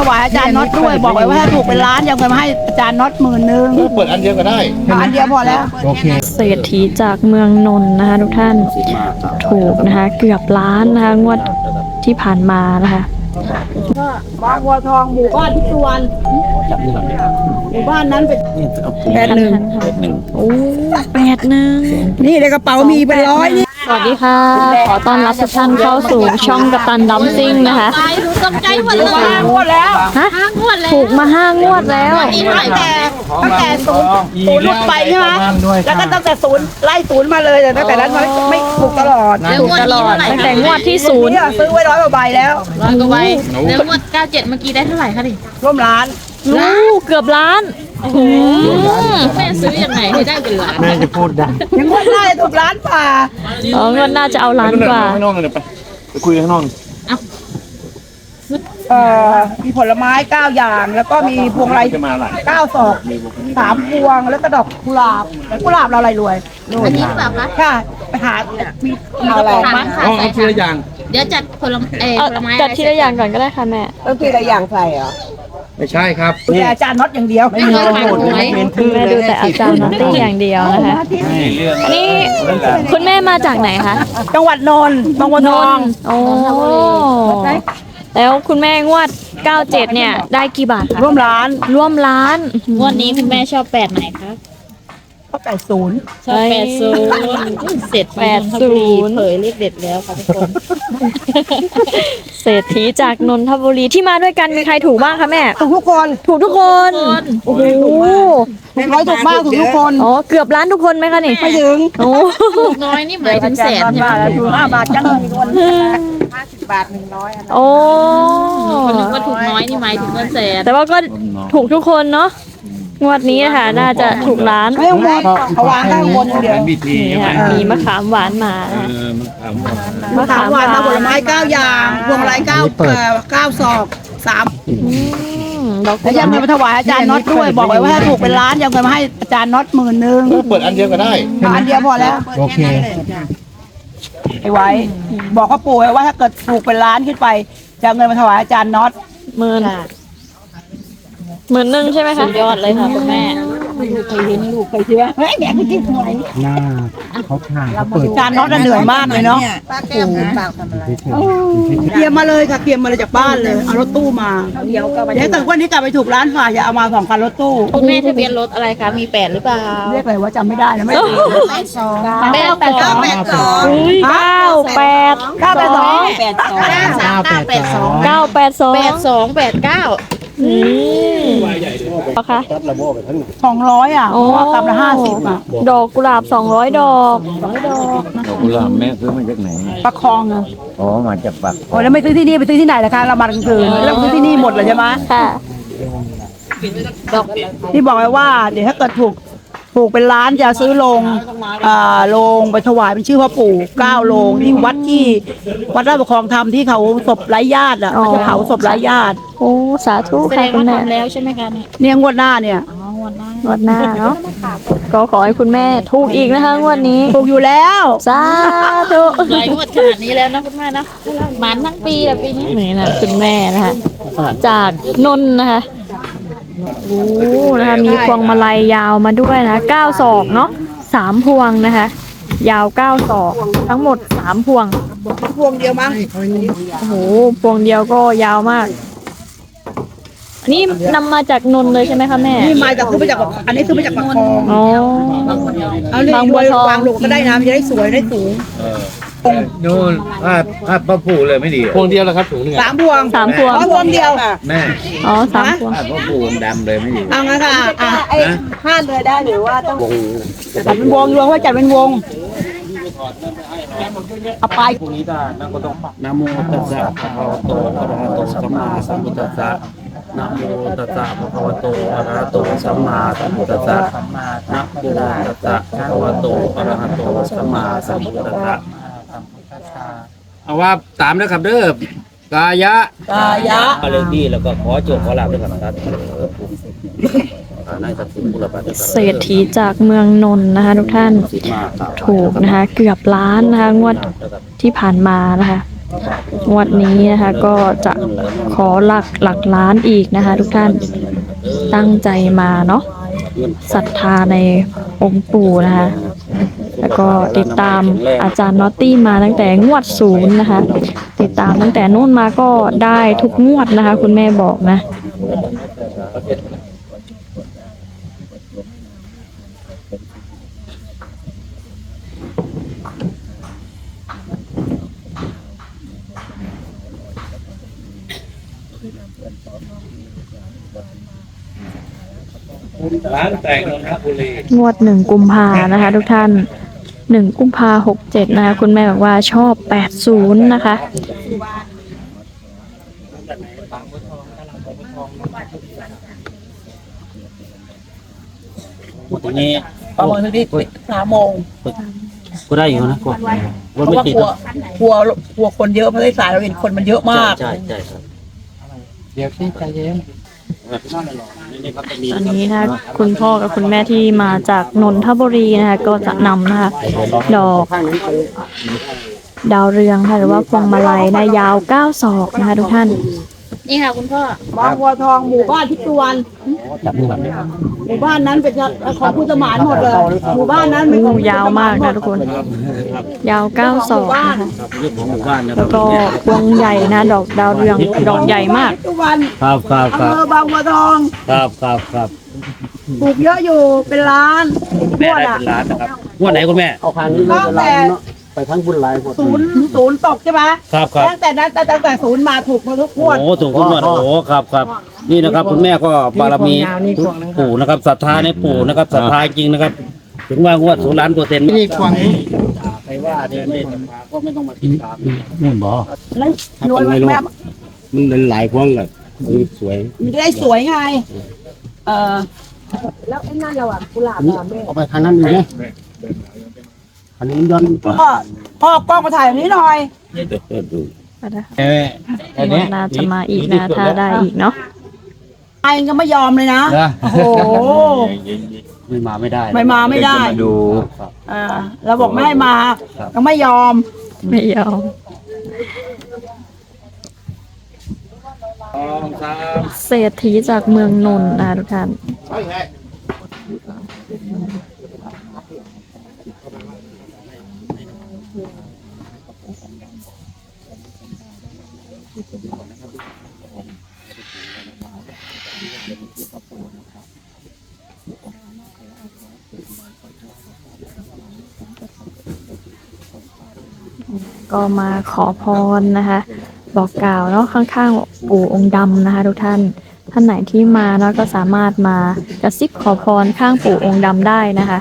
ถวายอาจารย์น็อตด้วยบอกไว้ว่าถ้าถูกเป็นล้านจะเอาเงินมาให้อาจารย์น็อต10,000 เปิดอันเดียวก็ได้อันเดียวพอแล้วโอเคเศรษฐีจากเมืองนนท์นะคะทุกท่านถูกนะคะเกือบล้านนะคะงวดที่ผ่านมานะคะบางบัวทองหมู่บ้านทิพย์สุวรรณหมู่บ้านนั้นเป็น81 โอ้81 นี่ในกระเป๋ามีเป็นร้อยนี่สวัสดีค่ะ ขอต้อนรับทุกท่านเข้าสู่ช่องกัปตันดัมซิ่งนะคะตกใจหมดเลยงวดแล้วฮะงวดแล้วถูกมา5 งวดแล้วตั้งแต่ศูนย์ลุกไปใช่ไหมแล้วก็ตั้งแต่ศูนย์ไล่ศูนย์มาเลยแต่ตั้งแต่นั้นไม่ถูกตลอดแล้วงวดนี้เท่าไหร่ตั้งแต่งวดที่ศูนย์นี่ซื้อไว้100 กว่าใบแล้วร้อยกว่าใบแล้วงวด97เมื่อกี้ได้เท่าไหร่คะดิร่วมล้านเกือบล้านแม่ซื้อยังไงให้ได้เป็นล้านแม่จะพูดดังยังงวดได้ถูกล้านป่างวดหน่าจะเอาล้านกว่าข้างนอกเลยไปคุยข้างนอกมีผลไม้9 อย่างแล้วก็มีพวงไรจะมาหลาย 9 ศอก3 พวงแล้วก็ดอกกุหลาบเราอะไรรวยอันนี้หรือเปล่าคะค่ะไปหามีอะไรมาค่ะเอาทีละอย่างเดี๋ยวจัดผลไม้จัดทีละอย่างก่อนก็ได้ค่ะแม่ต้องทีละอย่างใส่เหรอไม่ใช่ครับแต่อาจารย์น็อตอย่างเดียวไม่เคยขายหวยแม่ดูแต่อาจารย์นอตตี้อย่างเดียวนะคะอันนี้คุณแม่มาจากไหนคะจังหวัดนนท์บางบัวทองโอ้แล้วคุณแม่งวด 97 เนี่ยได้กี่บาทคะร่วมล้านร่วมล้านงวดนี้คุณแม่ชอบ8ไหนคะก็80 ชอบ80เสร็จเผยเลขเด็ดแล้วค่ะทุกคนเศรษฐีจากนนทบุรีที่มาด้วยกันมีใครถูกบ้างคะแม่ถูกทุกคนถูกทุกคน โอ้โหถูกน้อยถูกมากถูกทุกคนอ๋อเกือบล้านทุกคนไหมคะนี่ไม่ถึงโอ้ถูกน้อยนี่หมายถึงแสนใช่ไหมถูก5 บาทจังมีคน50 บาท100อันโอ้คนนึกว่าถูกน้อยนี่หมายถึงเงินแสนแต่ว่าก็ถูกทุกคนเนาะงวดนี้นะคะน่าจะถูกล้านไม่ต้องบนเอาวางข้างบนอย่างเดียวบิทีนี่ค่ะมีมะขามหวานมานะคะมันทมะขามหวานมาผลไม้9 อย่างพวงไร9 ศอก3 ดอกกุแล้วหยัลาง บเงินมาถวายอาจารย์น็อตด้วยบอกไว้ว่าถ้าถูกเป็นล้านจะเอาเงินมาให้อาจารย์น็อต10,000 เปิดอันเดียวก็ได้อันเดียวพอแล้วโอเคไว้ บอกเขาปู่ไว้ว่าถ้าเกิดถูกเป็นล้านขึ้นไปจะเอาเงินมาถวายอาจารย์น็อต 10,000ใช่ไหมคะยอดเลยค่ะคุณแม่เคยเห็นลูกเคยเชื่อเฮ้ยแม่คุณที่หวยหน้าเขาถ่ายเขาเปิดอาจารย์น็อตน่ะเหนื่อยมากเลยเนาะเฉยเตรียมมาเลยค่ะเตรียมมาเลยจากบ้านเลยเอารถตู้มาเดี๋ยวถ้าเกิดวันนี้กลับไปถูกล้านฝ่ายจะเอามา2 คันรถตู้คุณแม่ทะเบียนรถอะไรคะมี8หรือเปล่าเรียกอะไรว่าจำไม่ได้นะไม่ถูก 982 คะ 200อ่ะเพราะว่ากลับละ50อ่ะดอกกุหลาบ200 ดอกกุหลาบแม่ซื้อมาจากไหนประคองอ่ะอ๋อ มาจากปักโอ้แล้วไม่ซื้อที่นี่ไปซื้อที่ไหนล่ะคะเรามากลางคืนแล้วซื้อที่นี่หมดเลยใช่ไหมค่ะที่บอกไว้ว่าเดี๋ยวถ้าเกิดถูกเป็นล้านจะซื้อโรงไปถวายเป็นชื่อพ่อปู่9 โรงที่วัดราชประคองธรรมที่เขาศพไร้ญาติอ่ะอ๋อเขาจะเผาศพไร้ญาติโอ้ สาธุแสดค่ะงคุณว่าแม่ทำแล้วใช่ไหมคะเนี่ยเนี่ยงวดหน้าเนี่ยงวดหน้างวดหน้าเนาะก็ขอให้คุณแม่ถูกอีกนะคะงวดนี้ถูกอยู่แล้วสาธุหลายงวดขนาดนี้แล้วนะคุณแม่นะหมันทั้งปีแหละปีนี้นี่นะคุณแม่นะคะจากนนท์นะคะโอ้นะคะมีพวงมาลัยยาวมาด้วยนะ9 ศอกเนาะ3 พวงนะคะ ยาว9 ศอกทั้งหมด3 พวงพวงเดียวมั้งโอ้โหพวงเดียวก็ยาวมากอันนี้นำมาจากนนท์เลยใช่ไหมคะแม่นี่มาจากซื้อมาจากอันนี้ซื้อมาจากปากคลองอ๋อเอาเลยบางบัวทองวางลงก็ได้นะมันจะได้สวยได้สูงนู่นภาพพ่อปู่เลยไม่ดีพวงเดียวแล้วครับถุงหนึ่ง 3 พวง 3 พวงพวงเดียวแม่อ๋อ3 พวงภาพพ่อปู่ดำเลยไม่ดีเอางั้นค่ะอ่ะนะห้าเลยได้หรือว่าต้องจัดเป็นวงรวมว่าจัดเป็นวงเอาไปนะโมตัสสะภะคะวะโตอะระหะโตสัมมาสัมพุทธัสสะนะโมตัสสะภะคะวะโตอะระหะโตสัมมาสัมพุทธัสสะนะโมตัสสะภะคะวะโตอะระหะโตสัมมาสัมพุทธัสสะเอาว่าตามนะครับเด้อกายะ มาเลยที่แล้วก็ขอโจทย์ขอลาบด้วยกันนะครับนายสัตว์บุรพาเศรษฐีจากเมืองนนท์นะคะทุกท่านถูกนะคะเกือบล้านนะคะงวดที่ผ่านมานะคะงวดนี้นะคะก็จะขอหลักล้านอีกนะคะ ทุกท่านตั้งใจมาเนาะศรัทธาในองค์ปู่นะคะ แล้วก็ติดตามอาจารย์น็อตตี้มาตั้งแต่งวด0นะคะ ติดตามตั้งแต่นู่นมาก็ได้ทุกงวดนะคะ คุณแม่บอกนะร้านแต่งนนทบุรีงวด1 กุมภานะคะ ทุกท่าน1 กุมภา67นะคะ คุณแม่บอกว่าชอบ80นะคะทีนี้ประมาณที่3 โมงก็ได้อยู่นะก็เพราะว่ากลัวคนเยอะเพราะสายเราเห็นคนมันเยอะมากใช่ครับเดี๋ยวพี่ใจเย็นตอนนี้นะคะคุณพ่อกับคุณแม่ที่มาจากนนทบุรีนะคะก็จะนำนะคะดอกดาวเรืองค่ะหรือว่าพวงมาลัยนะยาว9 ศอกนะคะทุกท่านนี่ค่ะคุณพ่อบางบัวทองหมู่บ้านทิพย์สุวรรณหมู่บ้านนั้นเป็นของผู้สมานหมดเลยหมู่บ้านนั้นเป็นของผู้สมนยาวมากนะทุกคน ยาว9 ศอกนะคะเรื่องของหมู่บ้านนะคแล้รัวบก็พวงใหญ่นะดอกดาวเรืองดอกใหญ่มากทิพย์สุวรรณครับครับอำเภอบางบัวทองครับครับครับปลูกเยอะอยู่เป็นล้านงแม่วดได้อ่ะเป็นล้านนะครับงวดไหนคุณแม่เอาคันนี้เลยจะไล่เนาะไปทั้งบุญหลายหมดศูนย์ตกใช่ไหมครับครับตั้งแต่ศูนย์มาถูกมาทุกงวดโอ้ถูกทุกงวดโอ้ครับครับนี่นะครับคุณแม่ก็บารมีปู่นะครับศรัทธาในปู่นะครับศรัทธาจริงนะครับ ถึงว่างวด0,000,000% นี่ควงใครว่าเดินเล่นมาก็ไม่ต้องมาติดตามนู่นบ่แล้วรวยแม่มันเป็นหลายพวงกับสวยมันจะได้สวยไงแล้วไอ้นั่นเราอ่ะกุหลาบอ่ะแม่เอาไปทางนั้นดีไหมอันนี้มันย้อนพ่อกล้องมาถ่ายแบบนี้หน่อยงวดหน่าจะมาอีกนะถ้าได้อีกเนาะไอ้ก็ไม่ยอมเลยนะโอ้โหไม่มาไม่ได้ไม่มาไม่ได้ดูเราบอกไม่ให้มาก็ไม่ยอมไม่ยอมเศรษฐีจากเมืองนนท์นะคะทุกท่าน ก็มาขอพรนะคะ บอกกล่าวเนาะข้างๆปู่องค์ดำนะคะ ทุกท่านท่านไหนที่มาเนาะก็สามารถมากระซิบขอพรข้างปู่องค์ดำได้นะคะ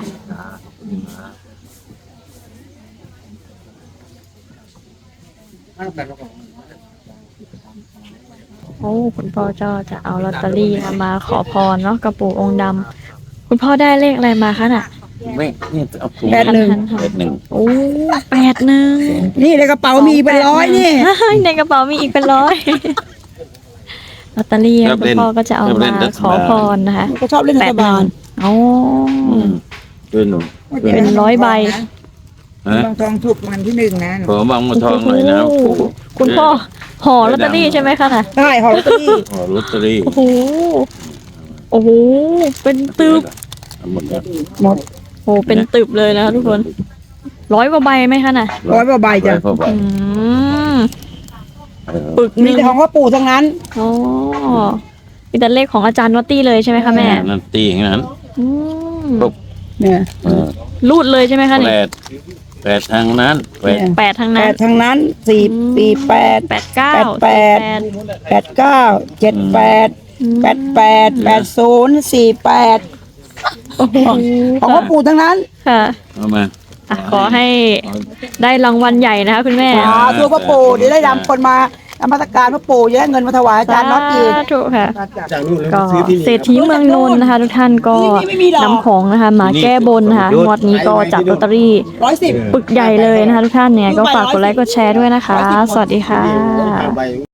โอ้คุณพ่อเจ้าจะเอาลอตเตอรี่นะมาขอพรเนาะกับปู่องค์ดำคุณพ่อได้เลขอะไรมาคะน่ะไม่นี่เอาถุง 81 โอ้81 นี่ในกระเป๋ามีเป็นร้อยนี่ในกระเป๋ามีอีกเป็นร้อยลอตเตอรี่คุณพ่อก็จะเอามาขอพรนะคะก็ชอบเล่นรัฐบาลโอ้ด้วยหนูเป็น100 ใบฮะบางทองถูกมันที่1นะขอบางมาทองหน่อยนะปู่คุณพ่อห่อลอตเตอรี่ใช่ไหมคะน่ะใช่หอลอตเตอรี่ขอลอตเตอรี่โอ้โหโอ้โหเป็นตึบหมดแล้วหมดโอ้เป็นตึบเลยนะคะทุกคน100 กว่าใบไหมคะน่ะ 100 กว่าใบจ้ะพอไปอืมปึกหมีนึ่งแต่ของพ่อปู่ทั้งนั้นอ๋อมีแต่เลขของอาจารย์วัตตี้เลยใช่ไหมคะแม่นั่นตีอย่างนั้นอืมเนี่ยรูดเลยใช่ไหมคะแปนี่ดแปดทางนั้นแปด 8 ทั้งแปนั้นดทั้งนั้น4 8 89 8 9 7 8 8 80 48 โอ้โหของพ่อปู่ทั้งนั้นค่ะเอามาอ่ะขอให้ได้รางวัลใหญ่นะคะคุณแม่ตัวพ่อปู่เดี๋ยวได้นำคนมานมัสการพ่อปู่จะได้เงินมาถวายอาจารย์น็อตอีกสาธุค่ะ ก็เศรษฐีเมืองนนท์นะคะ ทุกท่านก็นำของนะคะมาแก้บนนะคะงวดนี้ก็จับลอตเตอรี่ 110 ปึกใหญ่เลยนะคะทุกท่านเนี่ยก็ฝากกดไลค์กดแชร์ด้วยนะคะ สวัสดีค่ะ